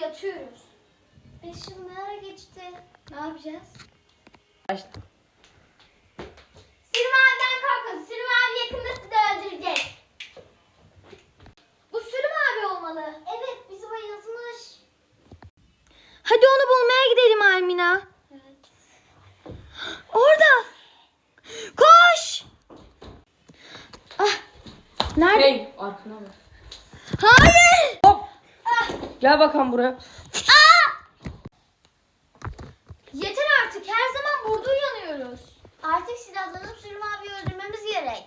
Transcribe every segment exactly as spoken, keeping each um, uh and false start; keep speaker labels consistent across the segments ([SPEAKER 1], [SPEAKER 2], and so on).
[SPEAKER 1] yatıyoruz. Beş yıl ne ara geçti? Ne yapacağız?
[SPEAKER 2] Başla.
[SPEAKER 1] Sürüm abiden korkun. Sürüm abi yakında sizi öldürecek. Bu Sürüm abi olmalı. Evet, bizi bayıltmış.
[SPEAKER 3] Hadi onu bulmaya gidelim Almina.
[SPEAKER 1] Evet.
[SPEAKER 3] Orada. Koş. Ah. Nerede?
[SPEAKER 2] Hey, arkana bak.
[SPEAKER 3] Hayır.
[SPEAKER 2] Hop. Gel bakalım buraya.
[SPEAKER 1] Yeter artık. Her zaman burada uyanıyoruz. Artık silahlanıp Sürüm abiyi öldürmemiz gerek.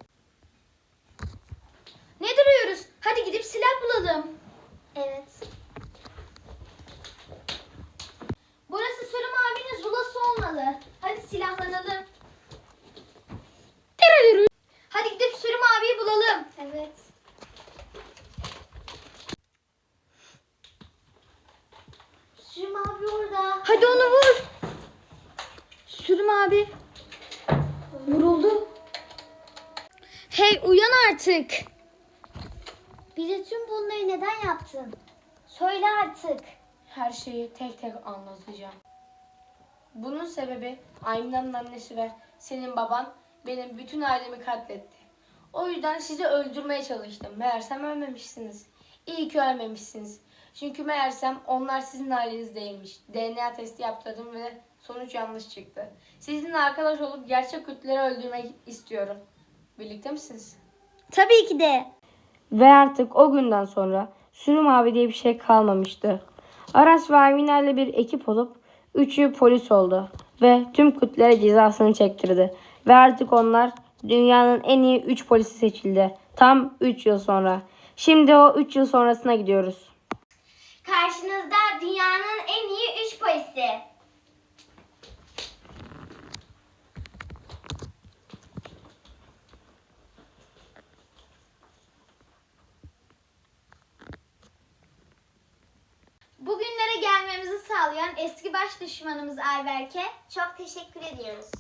[SPEAKER 1] Ne duruyoruz? Hadi gidip silah bulalım. Evet. Burası Sürüm abinin zulası olmalı. Hadi silahlanalım. Hadi gidip Sürüm abiyi bulalım. Evet. Sürüm abi orada.
[SPEAKER 3] Hadi onu vur. Sürüm abi. Vuruldu. Hey uyan artık.
[SPEAKER 1] Bize tüm bunları neden yaptın? Söyle artık.
[SPEAKER 2] Her şeyi tek tek anlatacağım. Bunun sebebi Aymina'nın annesi ve senin baban benim bütün ailemi katletti. O yüzden sizi öldürmeye çalıştım. Meğersem ölmemişsiniz. İyi ki ölmemişsiniz. Çünkü meğersem onlar sizin aileniz değilmiş. D N A testi yaptırdım ve sonuç yanlış çıktı. Sizinle arkadaş olup gerçek kötüleri öldürmek istiyorum. Birlikte misiniz?
[SPEAKER 3] Tabii ki de.
[SPEAKER 2] Ve artık o günden sonra Sürüm abi diye bir şey kalmamıştı. Aras ve Almina ile bir ekip olup üçü polis oldu ve tüm kötülere cezasını çektirdi. Ve artık onlar dünyanın en iyi üç polisi seçildi. Tam üç yıl sonra. Şimdi o üç yıl sonrasına gidiyoruz.
[SPEAKER 1] Karşınızda dünyanın en iyi üç polisi. Bugünlere gelmemizi sağlayan eski baş düşmanımız Ayberk'e çok teşekkür ediyoruz.